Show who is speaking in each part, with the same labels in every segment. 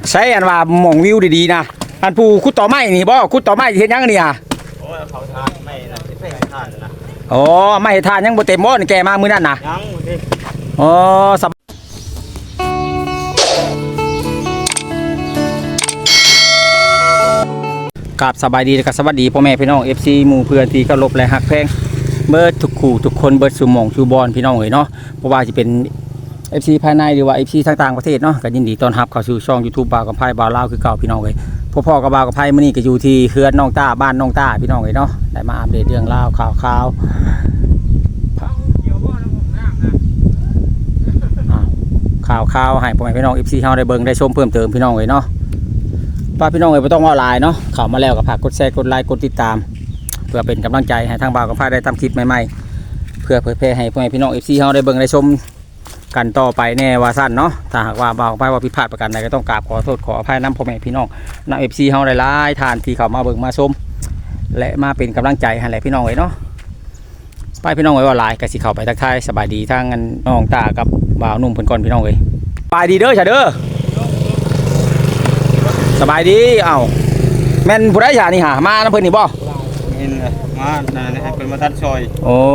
Speaker 1: ใช้อันว่าหม่องวิวดีๆนะอันผู้ขุดต่อไม้นี่บ่ขุดต่อไม้เฮ็ดหยังนี่อ่ะ
Speaker 2: โอ้ยเขาทานไม่นะที่เป็นทานนะ
Speaker 1: อ๋อไม้ทานยังบ่เต็มบ่นี่แกมามื้อนั้นน่ะ
Speaker 2: ยังดิ
Speaker 1: อ๋อกับสบายดีและก็สวัสดีพ่อแม่พี่น้อง FC หมู่เพื่อนที่เคารพและฮักแพงเบิดทุกคู่ทุกคนเบิดสู่หม่องสู่บอนพี่น้องเอ้ยเนาะบ่ว่าสิเป็น FC ภายในหรือว่า FC ต่างประเทศเนาะก็ยินดีต้อนรับเข้าสู่ช่อง YouTube บ่าวกับไผบ่าวลาวคือเก่าพี่น้องเอ้ยพ่อกับบ่าวกับไผมื้อนี้ก็อยู่ที่เขื่อนน้องต้าบ้านน้องต้าพี่น้องเอ้ยเนาะได้มาอัปเดตเรื่องราวข่าวให้พ่อแม่พี่น้อง FC เฮาได้เบิ่งได้ชมเพิ่มเติมพี่น้องเอ้ยเนาะป้าพี่น้องเอ้ยบ่ต้องว่าหลายเนาะเข้ามาแล้วก็ฝากกดแชร์กดไลค์กดติดตามเพื่อเป็นกำลังใจให้ทางบ่าวกับไผได้ทำคลิปใหม่ๆเพื่อเผยแพร่ให้พ่อแม่พี่น้อง FC เฮาได้เบิ่งได้ชมกันต่อไปแน่ว่าสั้นเนาะถ้าหากว่าบ่าวไปว่าผิดพลาดประการใดก็ต้องกราบขอโทษขออภัยนำพ่อแม่พี่น้องนำ FC เฮาหลายๆท่านที่เข้ามาเบิ่งมาชมและมาเป็นกำลังใจให้แหละพี่น้องเอ้ยเนาะไปพี่น้องเอ้ยว่าหลายก็สิเข้าไปทักทายสบายดีทางน้องตากับบ่าวหนุ่มเพิ่นก่อนพี่น้องเอ้ยสบายดีเด้อจ้ะเด้อสบายดีเอ้าแม่นผู้ใดจ้ะนี่หามานำเพิ่นนี่บ่
Speaker 2: เห็นเลยมาให้เป็นมาทัดซอย
Speaker 1: โอ้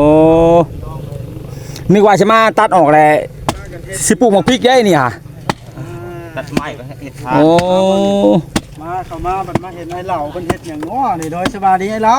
Speaker 1: นึกว่าสิมาตัดออกแล้วสิปลูกหมกพริกได้นี่ฮะ
Speaker 2: ตัดไม้ก็เห็ดทาน
Speaker 1: โอ้
Speaker 3: มาเข้ามาบัดมาเห็นไอ้เหล่าเพิ่นเฮ็ดหยังน้อนี่โดยสบายดีไอ้เหล่า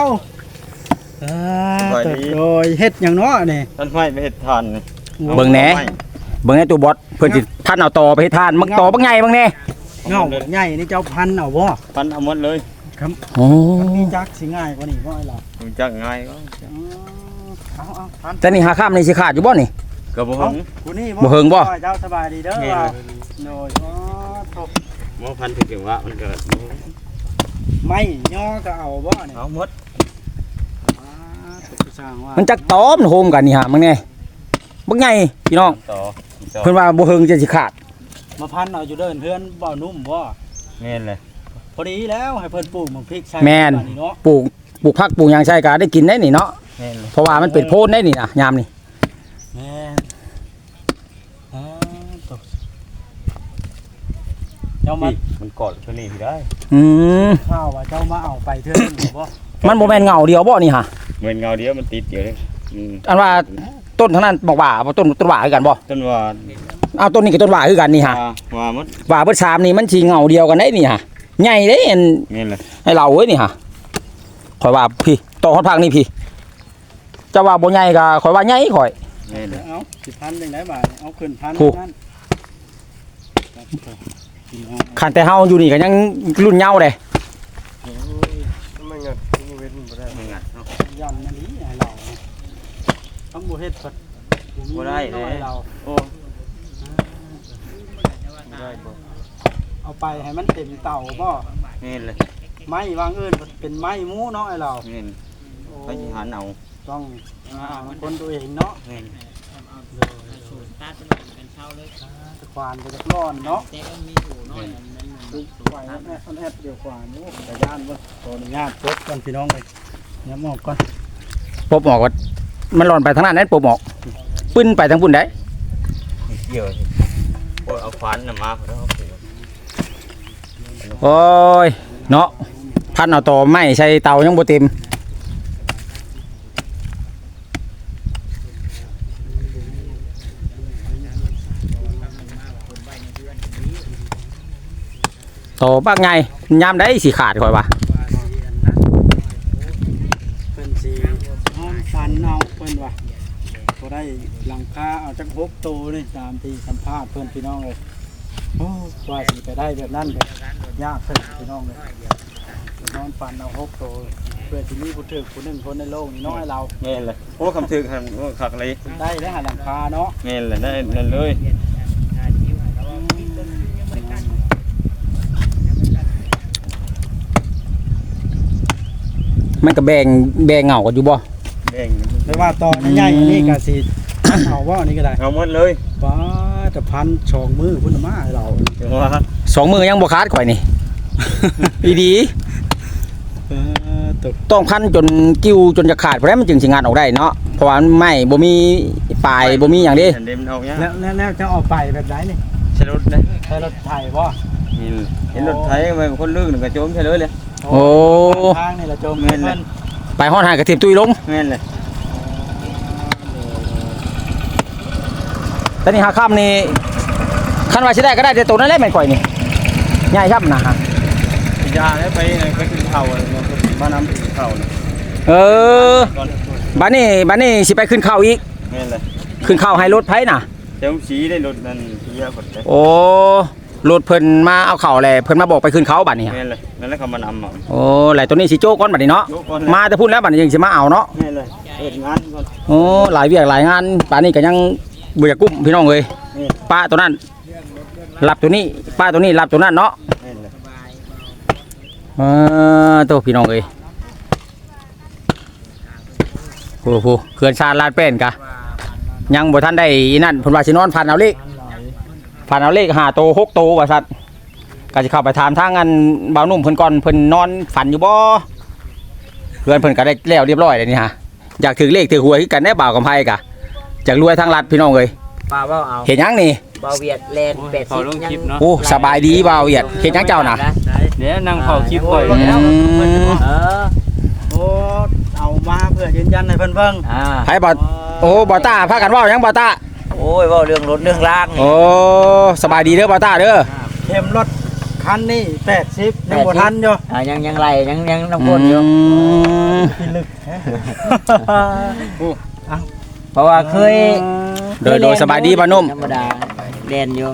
Speaker 3: โดยเฮ็ดหยังน้อนี่
Speaker 2: ตัดไม้ไปเห็ดทานนี่
Speaker 1: เบิ่งแหน่เบิ่งแหน่ตัวบอสเพิ่นสิท่านเอาต่อไปเฮ็ดทานมักต่อบักใหญ่บักแน่
Speaker 3: เงาใหญ่นี่เจ้าพันเอาบ่
Speaker 2: พันเอาหมดเลย
Speaker 3: ครับโอ้มีจักสิง่ายกว่านี้บ่ไอ้เหล่า
Speaker 2: มีจักง่ายก็
Speaker 3: เอาพัน
Speaker 1: แต่นี่หาข้ามนี่สิขาดอยู่บ่นี่
Speaker 2: ก็บ่เฮิง
Speaker 3: ผู้นี้
Speaker 1: บ่เฮิงบ่
Speaker 3: เจ้าสบายดีเด้อโดย
Speaker 2: บ่พันถึงว่ามันเกิด
Speaker 3: ไม่ย่อก็เอาบ่นี่
Speaker 2: เอาหมด
Speaker 1: มันจักตอมโฮมกันนี่ฮะมึงแน่บักใหญ่พี่น้องเพิ่นว่าบ่เฮิงจะสิขาด
Speaker 3: มาพันเอาอยู่เดินเพื่อนบ่นุ่มบ่
Speaker 2: แม่นเลย
Speaker 3: พอดีแล้วให้เพิ่นปลูกหมกพริกใช่
Speaker 1: แม่นปลูกผักปลูกหยังใช่ก็ได้กินได้นี่เนาะเพราะว่ามันเป็นโพนได้นี่นะยามนี่
Speaker 3: แม่เจ้า
Speaker 2: มันกอดตัวนี้ได้
Speaker 3: ข้าวว่าเจ้ามาเอาไปเถอะบ่
Speaker 1: มันบ่แม่นเงาเดียวบ่นี่ฮะ
Speaker 2: เหมือนเงาเดียวมันติดอยู่เลย
Speaker 1: อันว่าต้นทั้งนั้นบอกว่าต้นหว่าคือกันบ่
Speaker 2: ต้นว่า
Speaker 1: เอาต้นนี้กับต้นหว่าคือกันนี่ฮะ
Speaker 2: ว่าหมด
Speaker 1: ว่าเบิด3นี่มันสิเงาเดียวกันได้นี่ฮะใหญ่เด้อัน
Speaker 2: นี่แหละ
Speaker 1: ให้เราเอ้ยนี่ฮะข่อยว่าพี่ต่อฮอดพักนี่พี่จะว่าบ่ใหญ่ก็ข่อยว่าใหญ่ข่อย
Speaker 2: นี่แหละ
Speaker 3: เอา10,000จังได๋บาทเอาขึ้น1,000นั่น
Speaker 1: คันแต่เฮาอยู่นี่ก็ยังรุ่นเยาว์เด้
Speaker 2: ไม่งัดเว้นบ่ได้ไม่งัดเนาะ
Speaker 3: ย่ำนั่นนี่ให้เราทำบ่เฮ็ดเพิ่น
Speaker 2: บ่ได้เราโอ้
Speaker 3: ได้บ่เอาไปให้มันเต็มเตาบ่
Speaker 2: นี่เลย
Speaker 3: ไม้วางอื่นเป็นไม้หมูเนาะไอ้เรา
Speaker 2: นี่ไปหาเอา
Speaker 3: ต้องคนตัวเองเนาะ
Speaker 2: นี่
Speaker 3: ตัดเป็นเช่าเลยควานไปจากร้อนเนาะแต่ก็มีอยู่น้อยมันไหวแม่อันแอดเดียวกว่านี่แต่ย่านบ่ขออนุญาตพบกันพี่น้องเลยเนี่ยหมอกก่อน
Speaker 1: ปบหมอกมันหล่นไปทางนั้นปบหมอกปึ้นไปทางปุ่นได้
Speaker 2: เกี่ยวเอาควานน่ะมาเพิ่นเอา
Speaker 1: โอ้ยเนาะพันเอาต่อไม้ใช้เตายังบ่เต็มโตบักไงยามได้สิขาดข่อยว่า
Speaker 3: เพิ่นสิห้องฟันเอาเพิ่นว่าบ่ได้หลังคาเอาจัก6ตัวนี่ตามที่สัมภาษณ์เพิ่นพี่น้องเลยโอ้ว่าสิไปได้แบบนั้นก็ยากเพิ่นพี่น้องเลยนอนฟันเอา6ตัวเพื่อสิมีผู้ถึกผู้นึงคนในโลกนี้น้อยเรา
Speaker 2: แม่นเลยโอ้คำถึกหั่นโอ้คักเลย
Speaker 3: ได้แล้วหาหลังคาเนาะ
Speaker 2: แม่นเลยได้นั่นเลย
Speaker 1: มันก็แบ่งเหงากันอยู่บ่
Speaker 2: แบ่ง
Speaker 3: แต่ว่าตอนใหญ่นี่ก็สิเอาว่านี่ก็ได้
Speaker 2: เอาหมดเลย
Speaker 3: ป้าจะพัน2 มือพุ่นมาให้เรา
Speaker 2: ว่า
Speaker 1: 2 มือยังบ่ขาดข่อยนี่อีดีต้องพันจนกิ้วจนจะขาดเพราะมันจึงสิงานออกได้เนาะเพราะว่าไม่บ่มีปลายบ่มีหยังดิ
Speaker 3: แล้วจะออกไปแบบไหนนี่
Speaker 2: ใช้รถนะ
Speaker 3: ใช้รถไถบ่
Speaker 2: เห็นรถไถไปคนลื่นก็จมใช่เลย
Speaker 1: โอ้
Speaker 3: ทางนี่ละโจมเพิ่น
Speaker 1: ไปฮอดหากระถิ่มตุ้ยลง
Speaker 2: แม่นเลย
Speaker 1: ตอนนี้หาค่ำนี่คันว่าสิได้ก็ได้แต่ตัวนั้นแหละแม่นข่อยนี่ใหญ่ครับนะฮะ
Speaker 2: ยาแล้วไปขึ้นเขามานำขึ้นเขา
Speaker 1: เออบัดนี้สิไปขึ้นเขาอีก
Speaker 2: แม่นเลย
Speaker 1: ขึ้นเขาให้รถไผน่ะ
Speaker 2: เจ้าสีได้รถนั่นเยอะกว่าเลย
Speaker 1: โอ้รถเพิ่นมาเอาเข่าแหละเพิ่นมาบอกไปขึ้นเขาบัดนี้
Speaker 2: แม่นเลยนั่นแหละเขามานำอ่ะ
Speaker 1: โอ้ไหลตัวนี้สิโจ้ก่อนบัดนี้เนาะมาแต่พูดแล้วบัดนี้ยังสิมาเอาเนาะ
Speaker 2: แม่นเลยเปิดงานก่อน
Speaker 1: โอ้หลายเวียกหลายงานป่านนี้ก็ยังบ่อยากกุ้มพี่น้องเอ้ยป้าตัวนั้นรับตัวนี้ป้าตัวนี้รับตัวนั้นเนาะ
Speaker 2: แม่นเลย
Speaker 1: ตัวพี่น้องเอ้ยโอ้โหเขื่อนชาญลาดเป็นกะยังบ่ทันได้อีนั่นเพิ่นว่าสินอนผ่านเอาเลข5โต6โตว่าซั่นก็สิเข้าไปถามทางอันบ่าวนุ่มเพิ่นก่อนเพิ่นนอนฝันอยู่บ่เพื่อนเพิ่นก็ได้แล้วเรียบร้อยแล้วนี่ฮะอยากถือเลขถือหวยคือกันได้บ่าวกับไผกะอยากรวยทางรัฐพี่น้องเอ้ย
Speaker 4: ปลาเบ้าเอา
Speaker 1: เห็นยังนี่
Speaker 4: เบาเวียดแลน80ยัง
Speaker 1: โอ้สบายดีบ่าวเวียดเห็นยังเจ้าน่ะ
Speaker 2: เดี๋ยวนั่งเผาคลิปก่อน
Speaker 4: เออ
Speaker 3: โอ้เอามาเพื่อยืนยันให้เพิ่นเบิ่ง
Speaker 1: ไผบ่โอ้บ่าวตาพากันเว้าหยังบ่าวตา
Speaker 4: โอ้ยเว้าเรื่องรถเรื่องล่างนี่
Speaker 1: โอ้สบายดีเด้อบ่าวตาเด้อ
Speaker 3: เข็มรถคันนี้80ยังบ่ทันอยู่
Speaker 4: ยังไหลยังน้ำก้นอยู่
Speaker 3: พิลึก
Speaker 4: เพราะว่าเคย
Speaker 1: โดยสบายดีบ่าวนุ่ม
Speaker 4: ธรรมดาแลนอยู่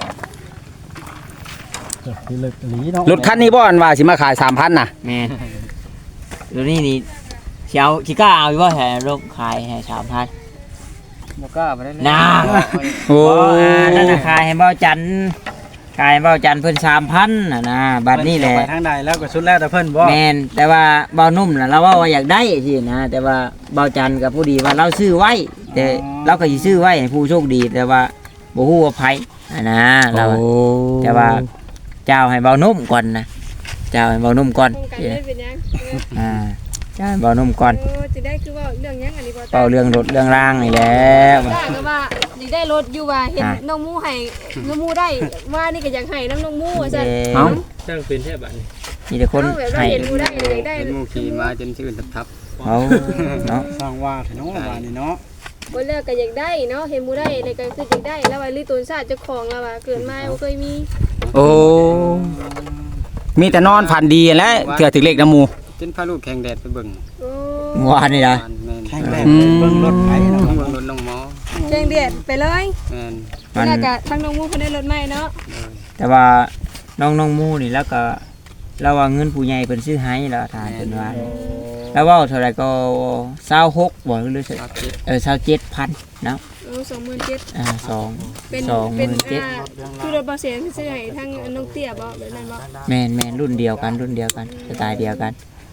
Speaker 3: พิลึกหลีเนาะ
Speaker 1: รถคันนี้บ่อันว่าสิมาขาย 3,000 น่ะ
Speaker 4: แม่นตัวนี้นี่สิกล้าเอาอยู่บ่แห่ลงขายให้ 3,000
Speaker 2: บ่กล้าไปได้
Speaker 4: น่า
Speaker 1: โอ้
Speaker 4: นั่นน่ะขายให้เบ้าจันขายให้เบ้าจันเพิ่น 3,000น่ะนะบัดนี้แหละ
Speaker 3: ไปทางใดแล้วก็สุดแล้วแต่เพิ่นบ่
Speaker 4: แม่นแต่ว่าเบานุ่มน่ะเราว่าอยากได้สินะแต่ว่าเบาจันกับผู้ดีว่าเราซื้อไว้ แต่เราก็สิซื้อไว้ให้ผู้โชคดีแต่ว่าบ่ฮู้ว่าไผนะเราแต่ว่าเจ้าให้เบานุ่มก่อนนะเจ้าให้เบานุ่มก่อน
Speaker 5: โครงการได้เป็นยัง
Speaker 4: เจ้าให้เบานุ่มก่อน
Speaker 5: โอ้จะได้คือว่าเรื่องยังอันนี้บ่
Speaker 4: เป่าเรื่องรถเรื่องร่างนี่แหละ
Speaker 5: ได้ก็ว่าสิได้รถอยู่ว่าเห็นน้องหมูให้น้องหมูได้ว่านี่ก็อยากให้น้องหมูว่าซั่น
Speaker 1: เอ้า
Speaker 2: จ้างเป็นแท้บัดนี้
Speaker 4: มีแต่คน
Speaker 5: เอาแบบว่า
Speaker 4: ให้
Speaker 5: เห็นหมูได้อยากได้
Speaker 2: เป็นหมู่ขี่มาจนชื่นทับ
Speaker 4: เอาเนาะ
Speaker 3: สร้างว่าเนาะว่านี่เนาะ
Speaker 5: บ่เลิกก็อยากได้เนาะเห็นหมูได้ในก็คืออยากได้แล้วว่าลิตนชาติเจ้าของแล้วว่าเกิดมาบ่เคยมี
Speaker 1: โอ้มีแต่นอนฝันดีแหล้วเถื่อถึงเลขน้ำหมู
Speaker 2: จนพาลูกแข่งแดดไปเบิ่ง
Speaker 5: โอ้
Speaker 4: เมื่อวานนี่นะ
Speaker 2: แม่น
Speaker 3: แข่งแรกเบิ่งรถไถเนาะ
Speaker 2: ต้องเบิ่งรถน้องหมอ
Speaker 5: แจ้งเดือดไปเลย
Speaker 2: แม่น
Speaker 4: มัน
Speaker 5: แล้วก็ทั้งน้องหมูเพิ่นได้รถใหม่เนาะ
Speaker 4: แต่ว่าน้องมูนี่แล้วก็เราว่าเงินผู้ใหญ่เพิ่นซื้อให้แล้วทานเพิ่นว่าแล้วว่าเท่าไหร่ก็26บ่หรือ27,000เนาะ
Speaker 5: โอ้27,000
Speaker 4: 2
Speaker 5: เป็น
Speaker 4: 27,000
Speaker 5: เป็นคือรถบ่เสียซื้อให้ทั้งน้องเตี้ยบ่แบบนั้นบ่
Speaker 4: แม่นรุ่นเดียวกันสไตล์เดียวกัน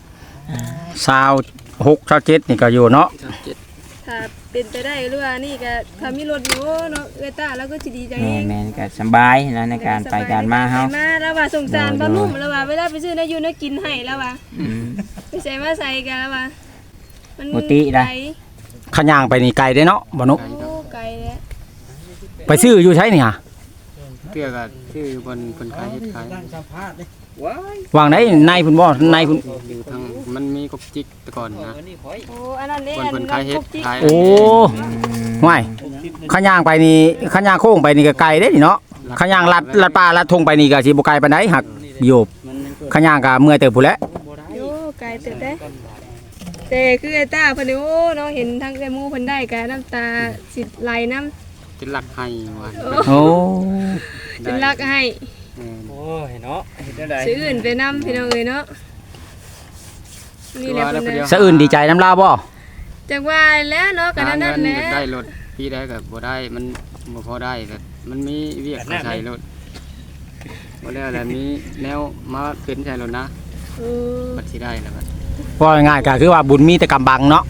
Speaker 1: 26 27นี่ก็อยู่เนาะ
Speaker 5: ถ้าเป็นไปได้หรือว่านี่ก็ถ้ามีรถอยู่เนาะเอ้ยตาแล้วก็สิดีใจเอง
Speaker 4: แม่นก็สบายนะในการไปการมาเฮา
Speaker 5: มาแล้วว่าสงสารป้านุ่มแล้วว่าเวลาไปซื้อนะอยู่นะกินให้แล้วว่า
Speaker 4: อืม
Speaker 5: ไปใส่มาใส่กันแล้วว่ามัน
Speaker 4: ปกตินะ
Speaker 5: ไกล
Speaker 1: ขย่างไปนี่ไกลได้เนาะบ่นุ
Speaker 5: โอ้ไกลแล้ว
Speaker 1: ไปซื้ออยู่ใช้นี่ฮะ
Speaker 2: เพื่อก็ชื่อบนคนขายเฮ็ดขาย
Speaker 3: นั่งสัมภาษณ์ดิ
Speaker 1: วางไหนในพุ่นบ่ในพุ่น
Speaker 2: อยู่ทางมันมีกบจิกแต่ก่อนนะ
Speaker 5: โอ้อันนั้นเด้
Speaker 2: คนขายเฮ็ดขาย
Speaker 1: โอ้ห่วยขย่างไปนี่ขย่างโค้งไปนี่ก็ไกลเด้นี่เนาะขย่างลัดป่าลัดทงไปนี่ก็สิบ่ไกลปานใดหักโยบขย่างก็เมื่อยเติบพุ่นแหละ
Speaker 5: โอ้ไกลเติบได้แต่คือไอ้ตาเพิ่นนี่โอ้เนาะเห็นทั้งไอ้หมูเพิ่นได้ก็น้ำตาสิไหลน้ำ
Speaker 2: จะหลักให้วัน
Speaker 1: โอ้
Speaker 5: จนรักให้
Speaker 2: โอ้ยเนาะเฮ็ดได้
Speaker 5: ซื้ออื่นไปนำพี่น้องเอ้ยเนาะนี่แหละเพิ่นน่ะ
Speaker 1: สะอื่นดีใจน้ำลาวบ่
Speaker 5: จักว่าแล้วเนาะก็นั่นนั่นแหละ
Speaker 2: ได้รถพี่ได้ก็บ่ได้มันบ่พอได้ก็มันมีเวียกใช้รถบ่แล้วแหละมีแนวมาเป็นใช้รถนะ
Speaker 5: โอ้
Speaker 2: บัดสิได้แล้วบัด
Speaker 1: ว่าง่ายๆก็คือว่าบุญมีแต่กำบังเนาะ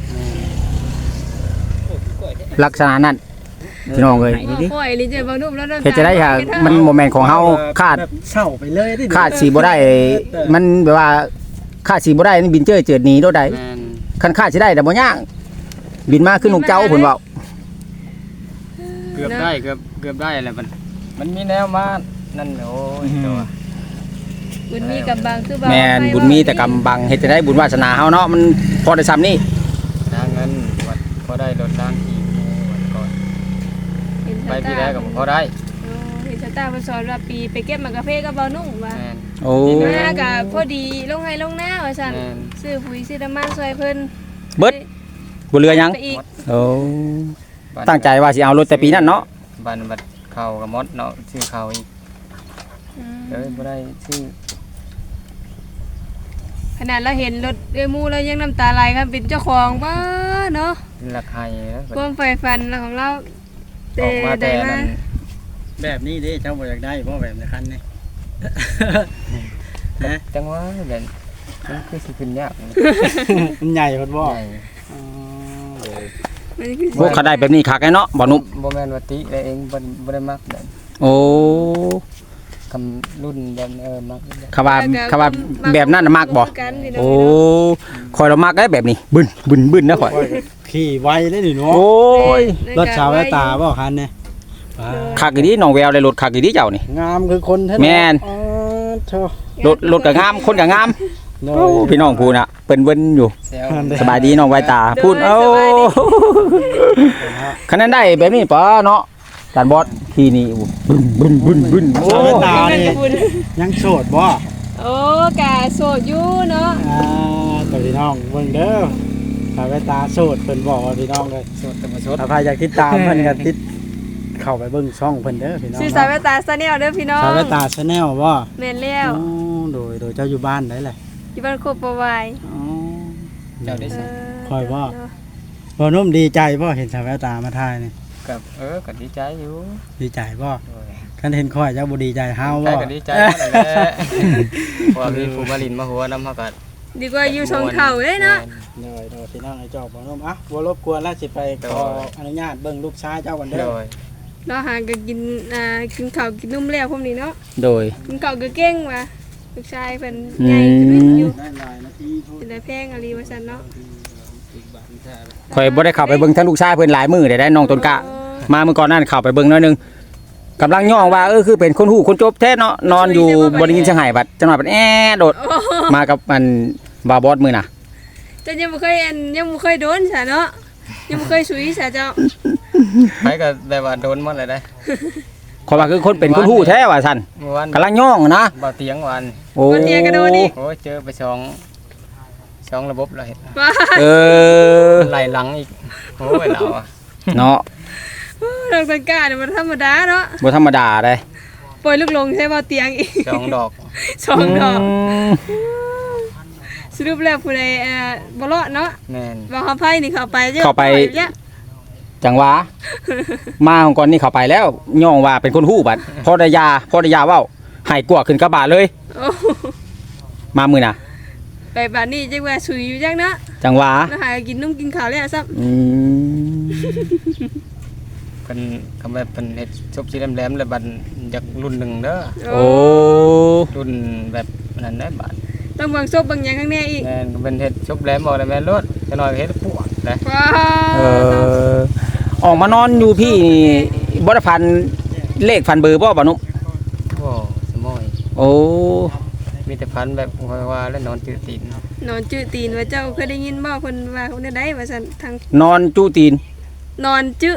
Speaker 1: ลักษณะนั้นพี่น้องเอ้ย
Speaker 5: ข่อยลิเจบ่นุ่มแล้วน้ำตา
Speaker 1: เฮ็ดจะได้ค่ะมันโมเมนต์ของเฮาคาด
Speaker 3: แบบเศร้าไปเลยดิ
Speaker 1: คาดสีบ่ได้ มันแบบว่าคาดสีบ่ได้นี่บินเจิดหนีโดดใด
Speaker 2: แม่น
Speaker 1: คันคาดสิได้แต่บ่ยากบินมาขึ้นนกเจ้าเพิ่นเว้า
Speaker 2: เกือบได้แหละมันมีแนวมานั่นโอ้ยตัว
Speaker 5: บุญมีกำบังคือบ่
Speaker 1: แม่นบุญมีแต่กำบังเฮ็ดจะได้บุญวาสนาเฮาเนาะมันพอได้ซ้ำนี่
Speaker 2: ทางเงินวัดพอได้รถล้างขี่วันก่อน
Speaker 5: เห็น
Speaker 2: ไป
Speaker 5: ชะ
Speaker 2: ที่
Speaker 5: ตา
Speaker 2: แรกก็พอได้
Speaker 5: เห็นชะตาเพิ่นสอนว่าปีไปเก็บหมากกาแฟกับเบานุ่งว่า
Speaker 2: แม่น
Speaker 1: โอ้
Speaker 5: หน้าก็พอดีลงให้ลงหน้าว่าซั่น
Speaker 2: แม่น
Speaker 5: ซื้อปุ๋ยซื้อน้ำมันช่วยเพิ่น
Speaker 1: เบิดบ่เหลือหยัง
Speaker 5: ไปอีก
Speaker 1: โอ้ตั้งใจว่าสิเอารถแต่ปีนั้นเนาะ
Speaker 2: บันบัดเข้ากับมดเนาะชื่อเขาอีก
Speaker 5: อืม
Speaker 2: เอ้ยบ่ได้ชื่อ
Speaker 5: ขนาดเราเห็นรถเอ้ยหมู่เรายังน้ำตาไหลครับเป็นเจ้าของบ้าเนาะ
Speaker 2: ราคาแล้ว
Speaker 5: ความใฝ่ฝันของเรา
Speaker 2: ออกมาแต่
Speaker 5: ได้
Speaker 2: นั้น
Speaker 3: แบบนี้เด้เจ้าบ่อยากได้บ่แบบในคันนี่ นะ
Speaker 2: จังว่าแบบมันคือสิขึ้นยาก
Speaker 3: มันใหญ่เพิ่นบ่
Speaker 2: ใหญ่
Speaker 3: อ๋อ
Speaker 5: มันคือ
Speaker 1: พวกเขาได้แบบนี้คักไอ้เนาะบ่นุ่ม
Speaker 2: บ่แม่นว่าติได้เองบ่ได้มักแบบ
Speaker 1: โอ้
Speaker 2: คำรุ่นแบบมักแบบ
Speaker 1: เขาว่าแบบนั้นน่ะมักบ่
Speaker 5: กันพี่น้ง
Speaker 1: โอ้คอยเรามักได้แบบนี้บึนนะข่อย
Speaker 3: ขี่ไวเลยนี่เนาะ
Speaker 1: โอ้ย
Speaker 3: รถชาวแววตาบ่คันนี่
Speaker 1: คักอีดีน้องแววเลยรถคักอีดีเจ้านี่
Speaker 3: งามคือคนแท้
Speaker 1: แม่น
Speaker 3: อ๋อโธ่
Speaker 1: รถก็งามคนก็งาม
Speaker 3: โด
Speaker 1: โอ้
Speaker 3: ย
Speaker 1: พี่น้องพูน่ะเปิ้นเวิ้นอยู่
Speaker 2: แซว
Speaker 1: สบายดีน้องไวตาพูดโอ้คันนั้นได้แบบนี้ปะเนาะจานบอสทีนี่บึ้นโอ้
Speaker 3: ชาวแววตา
Speaker 5: เงิน
Speaker 3: นี่
Speaker 5: กับคุณ
Speaker 3: ยังโสดบ่
Speaker 5: โอ้กะโสดอยู่เนาะ
Speaker 3: ตัวพี่น้องเบิ่งเด้อชาวแววตาโสดเพิ่นบอกว่าพี่น้องเลย
Speaker 2: สดแต่บ่สด
Speaker 3: ถ้าใครอยากติดตามเพิ่นก็ติดเข้าไปเบิ่งช่องเพิ่นเด้อพี่น้อง
Speaker 5: ชื่อสาวแววตาซาแนลเด้อพี่น้อง
Speaker 3: ชาวแววตาชาแนลบ่
Speaker 5: แม่นแล้ว
Speaker 3: อ๋อโดยเจ้าอยู่บ้านได้แหละ
Speaker 5: อยู่บ้านโคกประวาย
Speaker 3: อ๋อ
Speaker 2: เจ้าได้สิ
Speaker 3: คอยว่า บ่นุ่มดีใจบ่เห็นชาวแววตามาถ่ายนี่
Speaker 2: กับก็ดีใจอยู่
Speaker 3: ดีใจบ่
Speaker 2: โอ้ย
Speaker 3: คันเห็นคอยเจ้าบ่ดีใจเฮา
Speaker 2: ใจ
Speaker 3: บ่
Speaker 2: ก็ดีใจนั่นแหละเพราะว่ามีผู้มาลินมาหัวนำเฮาก็
Speaker 5: ดีกว่าอยู่ชงเข่าเลยเนาะ
Speaker 3: โดยพี่น้องไอ้เจ้าบ่นุ่มอ่ะบ่รบกวนแล้วสิไปขออนุญาตเบิ่งลูกชายเจ้าก่อนเด้
Speaker 2: โด
Speaker 3: อย
Speaker 5: เราหาก็กินกินข้าวกินนุ่มแล้วพวกนี้เนาะ
Speaker 1: โดย
Speaker 5: กินข้าวก็เก่งว่ะลูกชายเพิ่นใหญ่ขึ้นอยู่
Speaker 3: ได้หลายนาทีพูด
Speaker 5: เป็นได้แพงอะไรว่าซั่นเนาะ
Speaker 1: ข่อยบ่ได้เข้าไปเบิ่งทั้งลูกชายเพิ่นหลายมื้อได้น้องต้นกะมาเมื่อก่อนนั้นเข้าไปเบิ่งหน่อยนึงกำลังย่องว่าคือเป็นคนหู้คนจบแท้เนาะนอนอยู่บ่ได้ยินเสียงไห้บัดจังหวะบัดโดดมากับมันบาบอสมื้อน่ะ
Speaker 5: เจ้ายังบ่เคยโดนซะเนาะยังบ่เคยสุยซะเจ้า
Speaker 2: ไปก็แบบว่าโดนหมดเลยได้
Speaker 1: ข่อยว่าคือคนเป็นคนหู้แท้ว่าซั่น
Speaker 2: เมื่อวาน
Speaker 1: กำลังย่องนะ
Speaker 2: บ่เตียงวัน
Speaker 1: โอ้
Speaker 5: วันเดียวก็โดนอีก
Speaker 2: โอ้ยเจอไปสองระบบแล้วเห็น
Speaker 5: ว้า
Speaker 1: เออ
Speaker 2: ไหลหลังอีกโอ้ยเราอ่ะ
Speaker 1: เนาะ
Speaker 5: เรื่องตังกาเนี่ยมันธรรมดาเนาะ
Speaker 1: บ่ธรรมดาเลย
Speaker 5: ปล่อยลูกลงใช้บ่เตียงอีก
Speaker 2: สองดอก
Speaker 5: สองดอก
Speaker 1: ม
Speaker 5: สรุปแล้วผู้ใดบ่รอดเนาะ
Speaker 2: แม่น
Speaker 5: ว่าเขาไผนี่เข้าไปเยอะ
Speaker 1: เข้าไป
Speaker 5: แล้ว
Speaker 1: จังหวะมาของก่อนนี่เข้าไปแล้วย่องว่าเป็นคนหู้บัดพอได้ยาเว้าให้กลัวขึ้นกระบะเลย
Speaker 5: โอ้
Speaker 1: มามื้อน่ะ
Speaker 5: ไปบ้านนี้จังว่าสุยอยู่จังเนาะ
Speaker 1: จังหวะ
Speaker 5: แล้วหากินนุ่มกินข้าวแล้วซับ
Speaker 1: อืม
Speaker 2: เพิ่นคำแบบเพิ่นเฮ็ดชบสีแหลมๆแล้วบัดจากรุ่นหนึ่งเด้อ
Speaker 1: โอ้
Speaker 2: รุ่นแบบนั้นได้บาด
Speaker 5: ต้องเบิ่งซบบางอย่างข้างในอีก
Speaker 2: แม่นก็เป็นเฮ็ดชบแหลมบ่ได้แม่นรถจะน้อยก็เฮ็ดปวดนะ
Speaker 5: ว้า
Speaker 1: เออออกมานอนอยู่พี่นี่บ่ได้พันเลขพันเบอร์บ่บ่นุ
Speaker 2: โอ้สมอย
Speaker 1: โอ้
Speaker 2: มีแต่พันแบบว่าแล้วนอนจืดตีน
Speaker 5: นอนจื้อตีนว่าเจ้าเคยได้ยินบ่เพิ่นว่าคนใดว่าซั่นทาง
Speaker 1: นอนจู้ตีน
Speaker 5: นอนจื้อน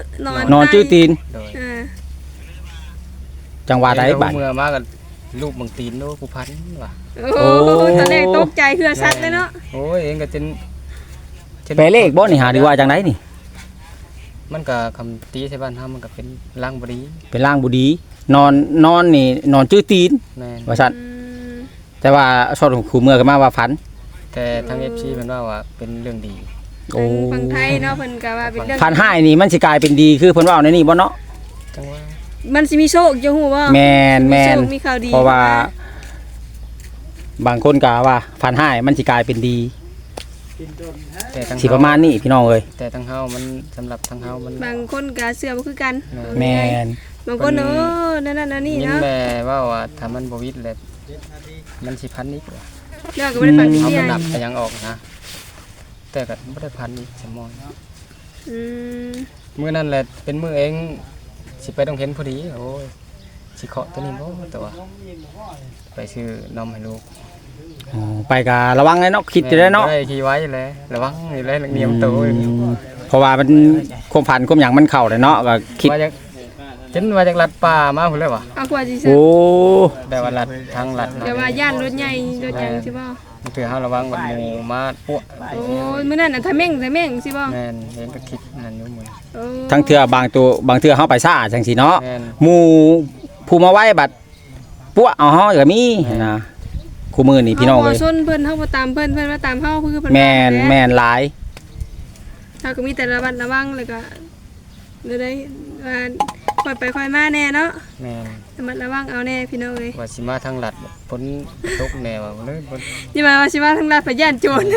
Speaker 1: อนจู้ตีน
Speaker 2: โดย
Speaker 5: อ่า
Speaker 1: จังหวะใดบัด
Speaker 2: เมื่อมาก็ลูกบางตีนโลกูพันว่ะ
Speaker 5: โอ้ตอนแรกตกใจเฮือซัดเลยเนาะ
Speaker 2: โอ้ยเองก็จน
Speaker 1: แปลเลขบ่นี่หาดีว่าจังไดนี่
Speaker 2: มันก็คำตีใช่บ้านเฮามันก็เป็นล่างบรี
Speaker 1: เป็นร่างบุดี นอนนี่นอนจื้อตีน
Speaker 2: แม่น
Speaker 1: ว่าซั่น
Speaker 5: อืม
Speaker 1: แต่ว่าชอบขู่เมื่อกันมาว่าฝัน
Speaker 2: แต่ทาง FC เพิ่นว่าเป็นเรื่องดี
Speaker 1: โอ้
Speaker 5: ฝั่งไทยเนาะเพิ่นก็ว่าเป็นเรื่อง
Speaker 1: ฝันให้นี่มันสิกลายเป็นดีคือเพิ่นเว้าในนี่บ่เนาะ
Speaker 2: จังว่า
Speaker 5: มันสิมีโชคจะฮู้บ่
Speaker 1: แม่น
Speaker 5: มีโชคมีข่าวดี
Speaker 1: เพราะว่า บางคนก็ว่าฝันให้มันสิกลายเป็นดี
Speaker 2: แต่ทาง
Speaker 1: สิประมาณนี้พี่น้องเอ้ย
Speaker 2: แต่ทางเฮามันสำหรับทางเฮามัน
Speaker 5: บางคนก็เชื่อบ่คือกัน
Speaker 1: แม่น
Speaker 5: บางคนนั่นนั่นนี่
Speaker 2: ยิ่ง
Speaker 5: เนาะ
Speaker 2: แม่ว่าถ้ามันบ่วิตแล้วมันสิพันอีกว่ะ
Speaker 5: เรื่องก็บ่ได้ฟังดี
Speaker 2: เอา
Speaker 5: เดีย
Speaker 2: มันดับไปยังออกนะ แต่ก็บ่ได้พันอีกสมอย
Speaker 5: อืม
Speaker 2: มื้อนั้นแหละเป็นมื้อเองสิไปต้องเห็นพอดีโอ้ยสิเคาะตัวนี้บ่ตัวไปซื้อนมให้ลูก
Speaker 1: อ๋อไปก็ระวังเลยเนาะคิดอยู่ได้เนาะ
Speaker 2: ได้ขี่ไว้เลยระวังอยู่เลยเนียมตัว
Speaker 1: เพราะว่ามันความฝันความหยังมันเข้าเลยเนาะก็คิด
Speaker 2: ว่าจากจนว่าจากลัดป่ามาพุ่นเลยว่ะ
Speaker 5: เอากว่าสิซะ
Speaker 1: โอ้
Speaker 2: แต่ว่าลัดทางลัด
Speaker 5: เดี๋ยวว่าย่านรถใหญ่รถหยังสิบ่
Speaker 2: ถือเฮาระวังบัดหมู่มาปั้ว
Speaker 5: โอ้ยมื้อนั้นน่ะทะเม่งสิบ่
Speaker 2: แม่นเห็นก็คิดนั่นอยู่มื้อ
Speaker 5: โอ้
Speaker 1: ทั้งเทื่อบางเทื่อเฮาไปซ่าจังซี่เนาะ
Speaker 2: แม่น
Speaker 1: หมู่ผู้มาไว้บัดปั้วเอาเฮาก็มีนะคู่มือนี่พี่น้อง
Speaker 5: เฮา
Speaker 1: เอ้
Speaker 5: บ่
Speaker 1: ย
Speaker 5: ซนเพิ่นเฮาบ่ตามเพิ่นว่าตามเฮาคือเพิ่น
Speaker 1: แม่นแม่นหลาย
Speaker 5: เฮาก็มีแต่ระมัดระวังแล้วก็เดี๋ยวได้ว่าค่อยไปค่อยมาแน่เนาะ
Speaker 2: แม่น
Speaker 5: ระมัดระวังเอาแน่พี่น้องเอ้ย
Speaker 2: ว่าสิมาทางลัดฝนตกแน่ว่าเลยบ่
Speaker 5: อย่ามาว่าสิว่าทางลาดพย่านโจร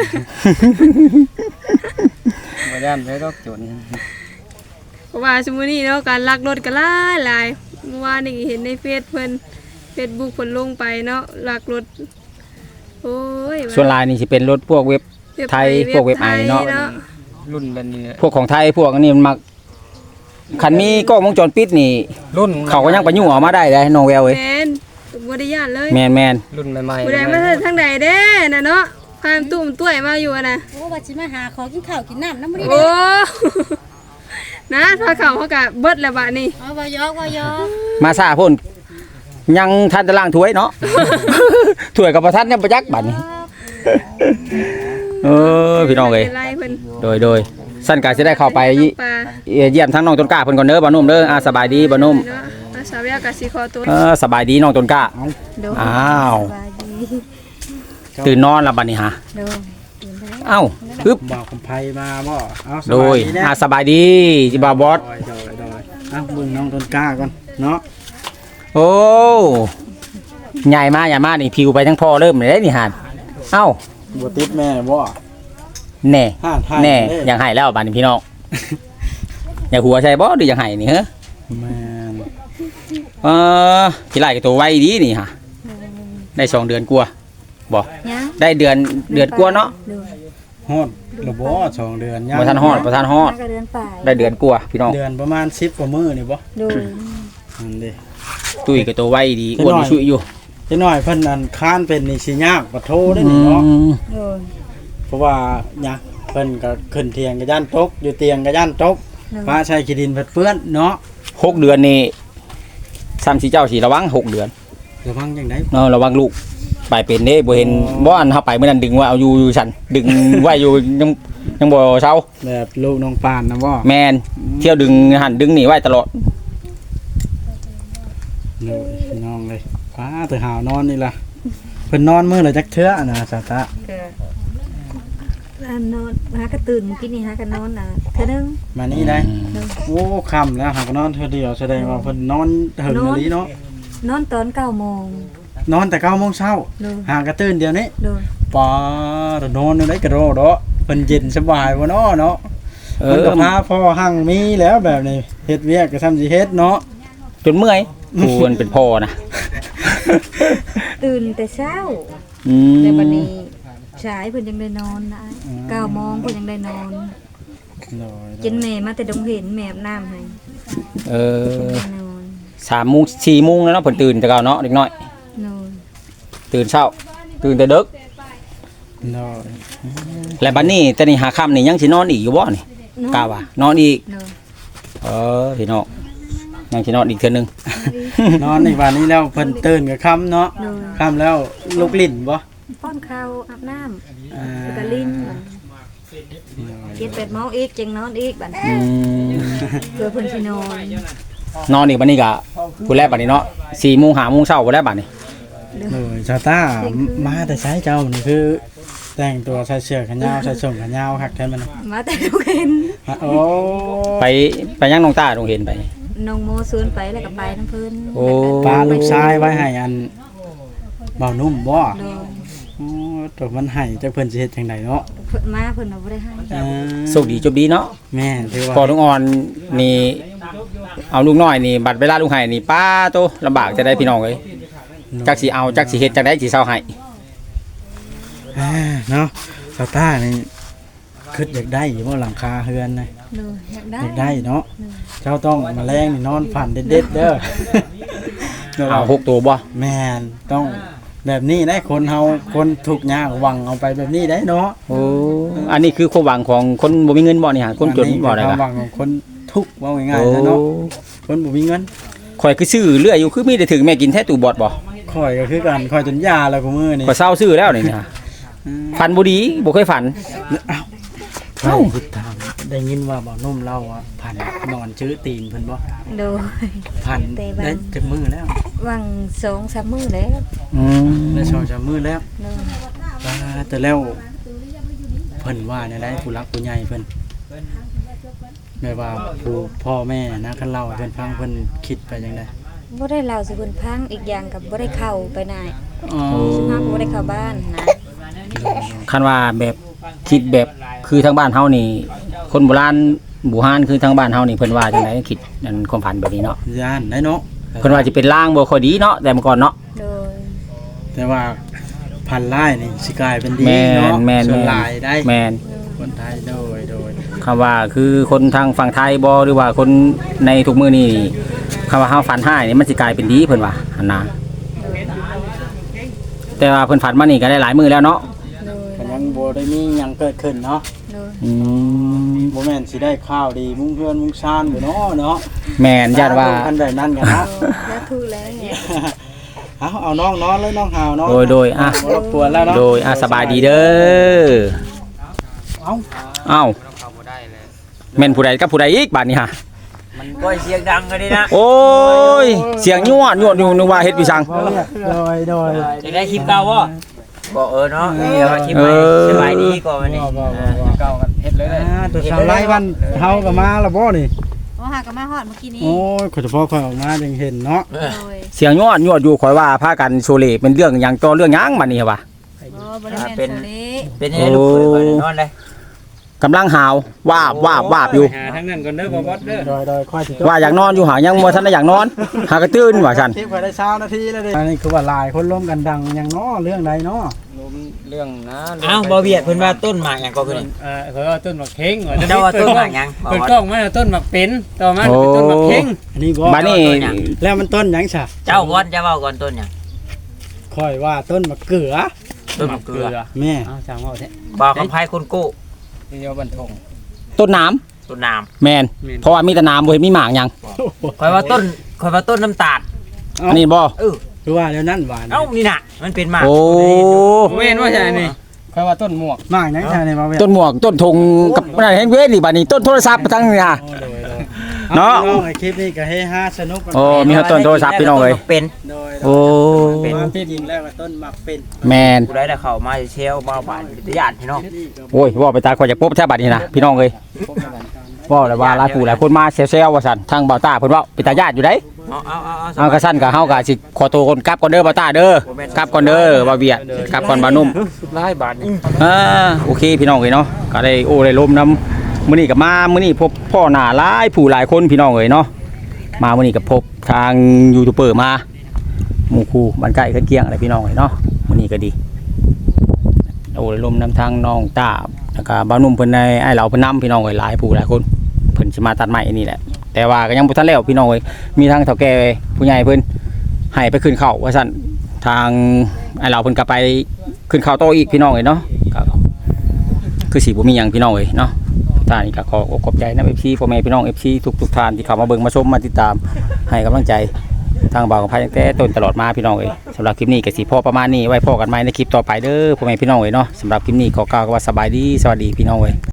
Speaker 2: บ่ย่านไปดอกจน
Speaker 5: เพราะว่าสมมุตินี้เนาะการลักรถก็หลายเมื่อวานนี่เห็นในเฟซเพิ่น Facebook เพิ่นลงไปเนาะลักรถโอ้ย
Speaker 1: ส่วนหลายนี่สิเป็นรถพวกเว็บ ไทยพวกเว็บไอเนาะ
Speaker 2: รุ่นแบบนี้
Speaker 1: พวกของไทยพวกอันนี้มันมักคันมีกล้องวงจรปิดนี่
Speaker 2: รุ่น
Speaker 1: เขาก็ยังไปยุ่งออกมาได้เลยน้องแววเอ้ย
Speaker 5: แม่นบ่ได้ย่านเลย
Speaker 1: แม่น
Speaker 2: รุ่นใหม่
Speaker 5: บ่ได้มาทางใดเด้น่ะเนาะพามตุ้มต้วยมาอยู่อะนะ
Speaker 6: โอ้ว่าสิมาหาของกินข้าวกินน้ำน้ำมันนี่
Speaker 5: โอ้ นะพาเขาก็เบิดแล้วบัดนี้
Speaker 6: เอาว่ายอกว่ายอก
Speaker 1: มาซาพ่นยังทันตะล่างถ้วยเนาะ ถ้วยกับประทัดยังประยักษ์บัดนี้พี่น้องเอ้ย
Speaker 5: ป็นไรเพิ่น
Speaker 1: โดยสั้นกาสิได้เข้าไป
Speaker 5: ปลา
Speaker 1: เยี่ยมทั้งน้องต้นกล้าเพิ่นก่อนเด้อบ่าวนุ่มเด้อสบายดีบ่าวนุ่ม
Speaker 5: เนาะอาสาวแววก็สิขอตัว
Speaker 1: สบายดีน้องต้นกล้า
Speaker 6: โด
Speaker 1: อ้าว
Speaker 6: สบายดี
Speaker 1: ตื่นนอนแล้วบัดนี้ฮะ
Speaker 6: โด
Speaker 1: เอ้าปึ๊บ
Speaker 3: บอกคำไพมาบ่เอาส
Speaker 1: โด
Speaker 3: บาย
Speaker 1: ย
Speaker 3: ดีนะ
Speaker 1: สบายดีจิบาวบอส
Speaker 3: โดยเอาเบิ่งน้องต้นกล้าก่อนเนาะ
Speaker 1: โอ้ใหญ่มากนี่ผิวไปทั้งพ่อเริ่มเลยนี่หานเอ้า
Speaker 3: บ่ติดแม่บ่
Speaker 1: แน่
Speaker 3: ห้านไทย
Speaker 1: แน่
Speaker 3: เด้
Speaker 1: ยังให้แล้วบัดนี้พี่น้องอยากหัวใช่บ่หรือยังให้นี่เหรอ
Speaker 3: แม่น
Speaker 1: พี่ไล่กับตัวไว้ดีนี่ฮะได้2 เดือนกว่าบ่
Speaker 6: ยัง
Speaker 1: ได้เดือนกว่าเนาะ
Speaker 6: โด
Speaker 3: ฮอดระบ่2 เดือนยัง
Speaker 1: บ่ทันฮอด
Speaker 6: ก็เดือนปลาย
Speaker 1: ได้เดือนกว่าพี่น้อง
Speaker 3: เดือนประมาณ10กว่ามื้อนี่บ่
Speaker 6: โดย
Speaker 3: นั่นเด้
Speaker 1: ตุ้ยกับตัวไว้ดีอ้วนชุยอยู่
Speaker 3: จักหน่อยเพิ่นอันค้านเป็นนี่สิยากบ่โทได้นี่เนาะ
Speaker 6: โดย
Speaker 3: เพราะว่าหยังเพิ่นก็ขึ้นเตียงก็ย่านตกอยู่เตียงก็ย่านตกฟ้าใช้ขี้ดินเปื้อนเนาะ
Speaker 1: 6 เดือนนี่ซ้ำสิเจ้าสิระวัง6 เดือน
Speaker 3: ระวังจังได๋
Speaker 1: ระวังลูกไปเป็นเด้บ่เห็นบ่อันเฮาไปมื้อนั้นดึงว่าเอาอยู่ฉันดึงไว้อยู่ยังบ่เซา
Speaker 3: แบบลูกน้องปานนะบ่
Speaker 1: แม่นเที่ยวดึงหันดึงนี่ไว้ตลอด
Speaker 3: โอ้ยพี่น้องเลยฟ้าแต่หาวนอนนี่ล่ะเพิ่นนอนมื้อละจักเทื่อนะสาตะ
Speaker 6: อันนอนหากระตื่นกินนี่หากันนอนน่ะเท่านึง
Speaker 3: มานี่ได้โอ้ค่ำแล้วหากนอนเทื่อเดียวแสดงว่าเพิ่นนอนถึงอีหลีเนาะ
Speaker 6: นอนตอน9 โมง
Speaker 3: นอนแต่9 โมงเช้า
Speaker 6: โดย
Speaker 3: หากระตื่นเดียวนี้
Speaker 6: โดย
Speaker 3: ปาดนอนอยู่ได้กระโดดเนาะเพิ่นเย็นสบายบ่เนาะเนาะ
Speaker 1: เอ
Speaker 3: เพิ่น
Speaker 1: อ
Speaker 3: ก็พาพ่อหั่งมีแล้วแบบนี้เฮ็ดเวียกก็ทำสิเฮ็ดเนาะ
Speaker 1: จนเมื่อยควรเป็นพ่อนะ
Speaker 6: ตื่นแต่เช้า
Speaker 1: อืม
Speaker 6: แต่บัดนี้สายเพิ่นยังได้นอนนะ9 โมงเพิ่นยังได้นอน
Speaker 3: โดย
Speaker 6: กินแม่มาแต่ดงเห็นแม่อาบน้ำให้
Speaker 1: เออ
Speaker 6: ได้นอน
Speaker 1: 3 โมง 4 โมงแล้วเนาะเพิ่นตื่นแต่เก่าเนาะเด็กน้อย
Speaker 6: นอน
Speaker 1: ตื่นเช้าตื่นแต่ดึก
Speaker 3: โดย
Speaker 1: แล้วบัดนี้แต่นี่หาค่ำนี่ยังสินอนอีกอยู่บ่นี่กล้าว่านอนอีก
Speaker 6: นอน
Speaker 1: พี่น้องยังสินอนอีกเทื่อนึง
Speaker 3: นอนในวันนี้แล้วเพิ่นตื่นกับค่ำเนาะ
Speaker 6: นอน
Speaker 3: ค่ำแล้วลุกลิ้นบ่
Speaker 6: ป้อนข้าวอาบน้ำ
Speaker 3: อ่า
Speaker 6: แล้วก็ลิ้น7-8 โมงอีกจึงนอนอีกบัด
Speaker 1: อืม
Speaker 6: เพื่อเพิ่นสินอน
Speaker 1: นอนอีกบัดนี้ก็ผู้แรกบัดนี้เนาะ4 โมง 5 โมงเช้าบ่ได้บัดนี้
Speaker 3: โดยชาต้ามาแต่ใช้เจ้านี่คือ แต่งตัวใส่เสื้อแขนยาวใส่ส่งแขนยาวคักแท้มัน
Speaker 6: มาแต่ดงเห็น
Speaker 3: โอ้
Speaker 1: ไปยังน้องตาต้องเห็นไป
Speaker 6: น้องโมสวนไปแล้วก็ไปน้ำเพิ่น
Speaker 1: โอ้
Speaker 3: ปลาลูกชายไว้ให้อันเบานุ่มบ่
Speaker 6: โดย
Speaker 3: โอ้ตัวมันให้จักเพิ่นสิเฮ็ดจังไดเนาะ
Speaker 6: เพิ่นมาเพิ่นเอาบ่ได้ให้
Speaker 3: อ่า
Speaker 1: โชคดีจบดีเนาะ
Speaker 3: แม่นถือว่า
Speaker 1: พอลุงอ่อนนี่เอาลูกน้อยนี่บัดเวลาลูกไห้นี่ป้าโตลำบากจะได้พี่น้องเอ้ยจักสิเอาจักสิเฮ็ดจักได้สิเซาให้
Speaker 3: อ่าเนาะชาต้านี่คิดอยากได้อยู่บ่หลังคาเฮือนนะ
Speaker 6: โดยอยากได้
Speaker 3: อยากได้เนาะเจ้าต้องมาแรงนี่นอนฝันเด็ดๆเด้อ
Speaker 1: เอา6ตัวบ่
Speaker 3: แม่นต้องแบบนี้ได้คนเฮาคนทุกข์ยากหวังเอาไปแบบนี้ได้เนาะ
Speaker 1: โอ้อันนี้คือความหวังของคนบ่มีเงินบ่นี่ฮะคนจนบ่ได้
Speaker 3: ค
Speaker 1: กะ
Speaker 3: วามหวังของคนทุกข์ว่าง่ายๆนะเนาะคนบ่มีเงิน
Speaker 1: ข่อยคือซื้อเรื่อยอยู่คือมีแต่ถึงแม่กินแท้ตู้บอดบ่
Speaker 3: ข่อยก็คือกันข่อยจนยาแล้วกูมื้อนี่
Speaker 1: ข่อยเศร้าซื้อแล้วนี่นะฝันบ่ดีบ่เคยฝัน
Speaker 3: เอ้าทางได้ยินว่าบ่นุ่มเล่าว่าพันนอนชื้อตีนเพิ่นบ่
Speaker 6: โดย
Speaker 3: พัน
Speaker 6: แต่ว่า
Speaker 3: ได้จักมื้อแล้ว
Speaker 6: วัง2-3มื้อแล้ว
Speaker 1: อืม
Speaker 3: ได้2-3มื้อแล้ว
Speaker 6: โดย
Speaker 3: แต่แล้วเพิ่นว่าเนี่ยได้ผู้รักผู้ใหญ่เพิ่นแบบว่าผู้พ่อแม่นะคันเล่าให้เพิ่นฟังเพิ่นคิดไปจังได๋
Speaker 6: บ่ได้เล่าสิเพิ่นพังอีกอย่างกับบ่ได้เข้าไปไหน
Speaker 3: อ๋อ
Speaker 6: ซึ่งเฮาก็บ่ได้เข้าบ้านนะ
Speaker 1: คันว่าแบบคิดแบบคือทางบ้านเฮานี่ คนโบราณบูฮานคือทางบ้านเฮานี่เพิ่นว่าจังไดคิดนั่นความฝันแบบนี้เนาะ
Speaker 3: ย่านได้เนาะ
Speaker 1: เพิ่นว่าจะเป็นล่างบ่ค่อยดีเนาะแต่เมื่อก่อนเนาะ
Speaker 6: โดย
Speaker 3: แต่ว่าพันลายนี่สิกลายเป็นดี
Speaker 1: แม่
Speaker 3: เนาะ
Speaker 1: นแม่น
Speaker 3: ส่วน
Speaker 1: แม่น
Speaker 3: หลายได้
Speaker 1: แม่น
Speaker 3: คนไทยโดย
Speaker 1: คำว่าคือคนทางฝั่งไทยบ่หรือว่าคนในทุกมื้อนี่คำว่าเฮาฝันหายนี่มันสิกลายเป็นดีเพิ่นว่าหั่นนะแต่ว่าเพิ่นฝันมานี่ก็ได้หลายมื้อแล้วเนาะ
Speaker 6: โดย
Speaker 3: ก็ยังบ่ได้มีหยังเกิดขึ้นเนาะ
Speaker 6: โดย
Speaker 1: อืม
Speaker 3: บ่แม่นสิได้ข้าวดีมุ่งเพื่อนมุ่งชานบ่เนาะเนาะ
Speaker 1: แม่นญาติว่า
Speaker 3: คันแบบนั้นกันเนาะ
Speaker 6: แล้วถูกแล้ว
Speaker 3: เอาน้องนอนเลยน้องหาวเนาะ
Speaker 1: โดยอ่ะ
Speaker 3: บ่รบกวนแล้วเนาะ
Speaker 1: โดยสบายดีเด้อ
Speaker 3: เอ้า
Speaker 1: เอ้า
Speaker 2: เข้าบ่ได้เลย
Speaker 1: แม่นผู้ใดกับผู้ใดอีกบาดนี้ฮะ
Speaker 4: มันก็เสียงดังกันดีนะ
Speaker 1: โอ้ยเสียงยั่วอยู่นึกว่าเฮ็ดพี่สัง
Speaker 3: โดย
Speaker 4: จะได้คลิปเก่าบ่บ่เนาะเดี๋ยวคลิปใหม่สบายดีก่อนวันนี้
Speaker 2: เก่ากันเฮ็ดเลย
Speaker 3: ตัวชาวไร่บ้านเฮาก็มาแล้วบ่นี่
Speaker 6: โอ้หาก็มาฮอดเมื่อกี้นี้
Speaker 3: โอ้ยขอเฉพาะค่อยออกมาจึงเห็นเนาะ
Speaker 6: โดย
Speaker 1: เสียงยั่วอยู่ข่อยว่าพากันโชเลเป็นเรื่องหยังต่อเรื่องหยังบัดนี้ว่ะ
Speaker 6: โอ้บ่ได้แม่นโซลี
Speaker 4: เป็นยังไงลูกเปิดก่อนนอนเลย
Speaker 1: กำลังหาววาบอยู่
Speaker 2: หาทั้งนั้นก่อนเด้อบ่บอสเด้อ
Speaker 3: โดยค่อยสิ
Speaker 1: ว่าอยากนอนอยู่หายังบ่ทันได้อยากนอน หากระตื่นว่าซั่น
Speaker 3: คลิปค่อยได้เช้านาทีแล้วเด้อันนี้คือว่าหลายคนร่วมกันดังหยังเนาะเรื่องใดเนาะ
Speaker 2: เรื่องนะ
Speaker 4: อ้าวบ่เบียดเพิ่นว่าต้นหมากหยังก็คือนี่
Speaker 2: เขาว่าต้นหมากเข่ง
Speaker 4: เจ้าว่าต้นหมากหยัง
Speaker 2: เปิดกล้องมาต้นหมากเป็นต่อมาเป็นต้นหมากเข่ง
Speaker 3: อันนี้บ่
Speaker 1: บัดนี้
Speaker 3: แล้วมันต้นหยังซะ
Speaker 4: เจ้าก่อนจะเว้าก่อนต้นหยัง
Speaker 3: ค่อยว่าต้นมะเขือ
Speaker 4: ต้นมะเกลือ
Speaker 3: แม่
Speaker 2: อ้าวช่างว่าแท้
Speaker 4: บ่คำไผคนกู้
Speaker 2: เดียวบันทง
Speaker 1: ต้นน้ำ
Speaker 4: ต้นน้
Speaker 1: แม่นเพราะว่ามีแต่น้ำบ่เห็นมีหมากหยัง
Speaker 4: ำข่อยว่าต้นน้ำตาล
Speaker 1: อันนี้บ่
Speaker 3: คือว่าแล้วนั่นหวาน
Speaker 4: เอ้านี่น่ะมันเป็นหมาก
Speaker 1: โอ้
Speaker 2: เว้นว่าใช่นี่ค่อยว่าต้นหมวก
Speaker 3: มากหยังซะนี่มาเว้ย
Speaker 1: ต้นหมวกต้นธงกับนั่นเห็นเว้นนี่บัดนี้ต้นโทรศัพท์ทั้งนี่ฮะ เนาะ
Speaker 3: น้องไอ้คลิปนี้ก็เฮฮาสนุกกัน
Speaker 1: โอ้มีต้นโทรศัพท์พี่น้องเอ้ย
Speaker 4: เป็น
Speaker 3: โดย
Speaker 1: โอ้
Speaker 3: เป็นที่จริงแล้วก็ต้นมักเป็น
Speaker 1: แม่น
Speaker 4: ผู้ใดได้เข้ามาเชลมาบ้านญาติพี่น้อง
Speaker 1: โอ้ยว่าไปตาข่อยจะปุ๊บแท้บัดนี้นะพี่น้องเอ้ยว่าแล้วว่าหลายผู้หลายคนมาเซลว่าซั่นทางเบาตาเพิ่นว่าเป็นตาญาติอยู่เด้ เอากระสั้นกับเฮาก็สิขอตัวคนกลับก่อนเด้อเบาตาเด้อกลับก่อนเด้อบ่าวเวียดกลับก่อนบ่าวนุ่ม
Speaker 2: หลายบาทนี่
Speaker 1: โอเคพี่น้องเอ้ยเนาะก็ได้โอ้ได้ลมน้ำมื้อนี้ก็มามื้อนี้พบพ่อหน้าหลายผู้หลายคนพี่น้องเอ้ยเนาะมามื้อนี้ก็พบทางยูทูบเบอร์มาหมู่คู่บ้านใกล้เคียงอะไรพี่น้องเอ้ยเนาะมื้อนี้ก็ดีโอ้ได้ลมน้ำทางน้องตาแล้วก็บ่าวนุ่มเพิ่นได้ไอ้เหล่าเพิ่นนำพี่น้องเอ้ยหลายผู้หลายคนเพิ่นสิมาตัดไม้อันนี้แหละแต่ว่าก็ยังบ่ทันแล้วพี่น้องเอ้ยมีทางเฒ่าแก่ผู้ใหญ่เพิ่นให้ไปขึ้นเขาว่าซั่นทางไอ้เหล่าเพิ่นก็ไปขึ้นเขาโตออีกพี่น้องเอ้ยเนาะก็คือสิบ่มีหยังพี่น้องเอ้ยเนาะท่านนี้ก็ขอขอบใจนำ FC พ่อแม่พี่น้อง FC ทุกท่านที่เข้ามาเบิ่งมาชมมาติดตามให้กำลังใจทางบ่าวกับพายตั้งแต่ต้นตลอดมาพี่น้องเอ้ยสำหรับคลิปนี้ก็สิพอประมาณนี้ไว้พอกันใหม่ในคลิปต่อไปเด้อพ่อแม่พี่น้องเอ้ยเนาะสำหรับคลิปนี้ขอกล่าวคำว่าสบายดีสวัสดีพี่น้องเอ้ย